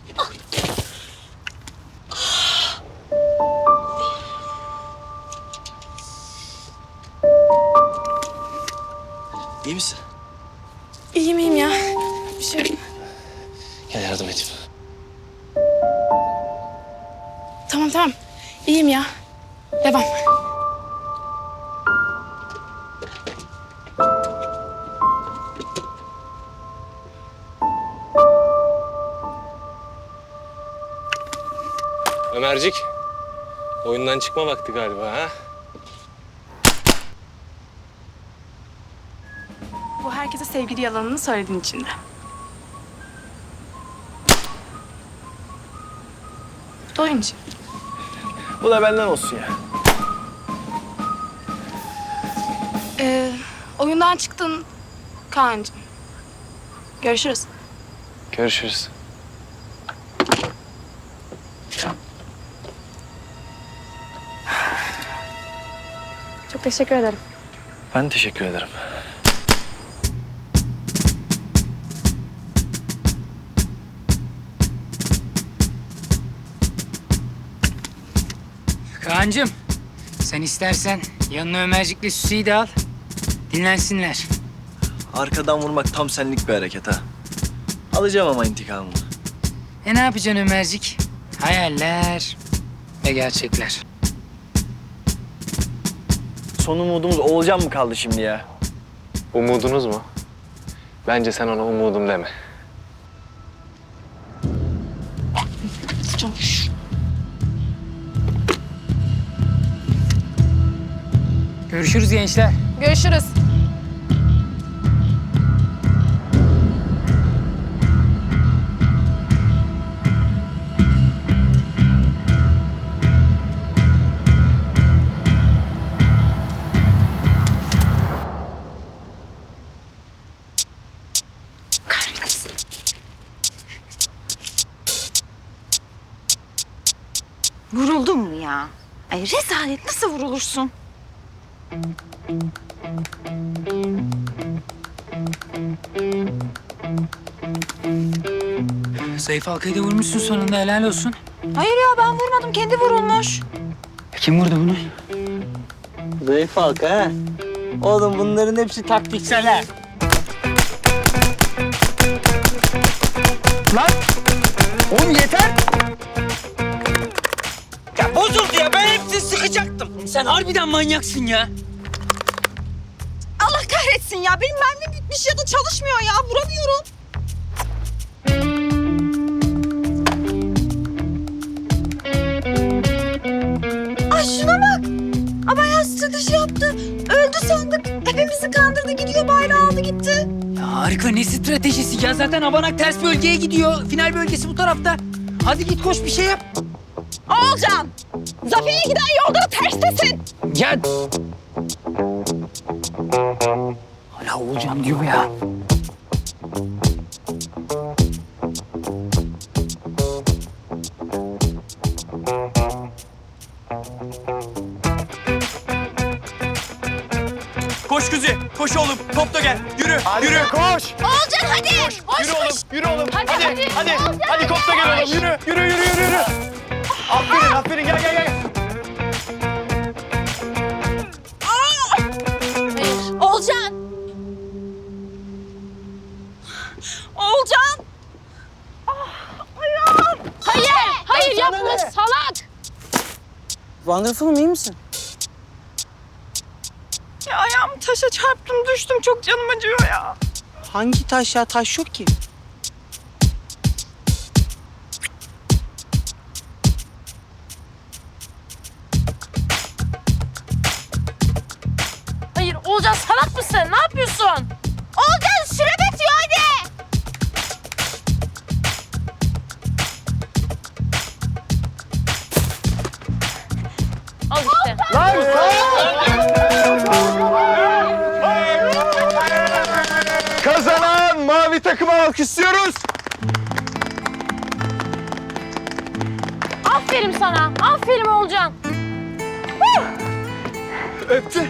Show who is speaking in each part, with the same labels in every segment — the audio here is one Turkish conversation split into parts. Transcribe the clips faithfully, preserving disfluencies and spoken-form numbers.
Speaker 1: İyi misin?
Speaker 2: İyiyim iyiyim ya. Bir şey yok.
Speaker 1: Gel yardım edeyim.
Speaker 2: Tamam tamam. İyiyim ya. Devam.
Speaker 3: Ömercik, oyundan çıkma vakti galiba ha?
Speaker 2: Bu herkese sevgili yalanını söylediğin için de. Bu da oyun için.
Speaker 1: Bu da benden olsun ya.
Speaker 2: Ee, oyundan çıktın Kaan'cığım. Görüşürüz.
Speaker 1: Görüşürüz.
Speaker 2: Çok teşekkür ederim.
Speaker 1: Ben teşekkür ederim.
Speaker 4: Kaan'cığım, sen istersen yanına Ömercik'le Süsi'yi de al. Dinlensinler.
Speaker 1: Arkadan vurmak tam senlik bir hareket ha. Alacağım ama intikamımı.
Speaker 4: E ne yapacaksın Ömercik? Hayaller ve gerçekler.
Speaker 1: Son umudumuz Oğulcan mı kaldı şimdi ya?
Speaker 3: Umudunuz mu? Bence sen ona umudum deme.
Speaker 4: Görüşürüz gençler.
Speaker 2: Görüşürüz.
Speaker 5: Vuruldun mu ya? Ay rezalet, nasıl vurulursun?
Speaker 4: Zayıf halkayı da vurmuşsun sonunda, helal olsun.
Speaker 5: Hayır ya, ben vurmadım, kendi vurulmuş.
Speaker 4: Kim vurdu bunu?
Speaker 6: Zayıf halka ha. Oğlum bunların hepsi taktiksel ha. Lan! Oğlum yeter! Ya bozuldu ya, ben hepsini sıkacaktım.
Speaker 4: Sen harbiden manyaksın ya.
Speaker 5: Allah kahretsin ya, benim mermim bitmiş ya da çalışmıyor ya, vuramıyorum. Ay şuna bak! Ama ya strateji yaptı. Öldü sandık. Hepimizi kandırdı, gidiyor bayrağı aldı gitti.
Speaker 4: Ya harika, ne stratejisi ya? Zaten Abanak ters bölgeye gidiyor. Final bölgesi bu tarafta. Hadi git koş bir şey yap.
Speaker 5: Oğulcan! Zafer'e giden yolda terstesin.
Speaker 4: Ya... Hala olacağım diyor ya.
Speaker 1: Koş Kuzi, koş oğlum. Topla gel. Yürü, yürü. Koş.
Speaker 5: Oğulcan hadi! Koş,
Speaker 1: Yürü oğlum, yürü oğlum.
Speaker 5: Hadi,
Speaker 1: Hadi,
Speaker 5: hadi.
Speaker 1: hadi. Hadi,
Speaker 5: Oğulcan,
Speaker 1: hadi kopta gel oğlum. Yürü, yürü, yürü, yürü. yürü. Aferin, aferin. Gel, gel, gel.
Speaker 5: Oğulcan! Oğulcan!
Speaker 7: Hayır, hayır yapma salak.
Speaker 6: Wonderful'um iyi misin?
Speaker 5: Ya ayağım taşa çarptım, düştüm. Çok canım acıyor ya.
Speaker 6: Hangi taş ya? Taş yok ki.
Speaker 7: Hayır Olcan salak mısın? Ne yapıyorsun?
Speaker 5: Oğulcan süre bitiyor hadi!
Speaker 7: Al işte.
Speaker 1: Kazanan mavi takımı alkışlıyoruz.
Speaker 7: Aferin sana. Aferin Olcan.
Speaker 1: Öptü.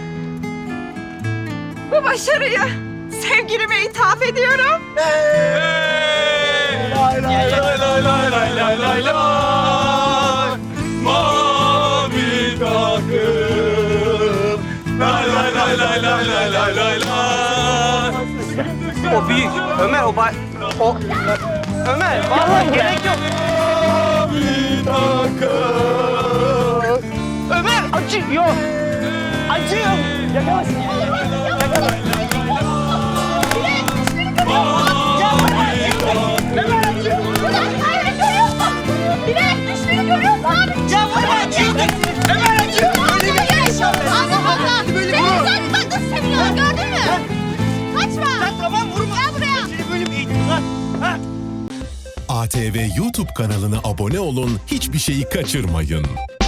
Speaker 5: Bu başarıyı sevgilime ithaf ediyorum.
Speaker 1: Lay lay lay lay
Speaker 8: lay lay lay lay lay lay. Mavi takım. Lay lay lay lay lay lay lay lay lay.
Speaker 6: O büyük. Ömer o bay... O... Ömer vallahi gerek yok.
Speaker 8: Mavi takım.
Speaker 6: Ömer acıyor. Acıyor. Yakalasın.
Speaker 9: A T V YouTube kanalına abone olun, hiçbir şeyi kaçırmayın.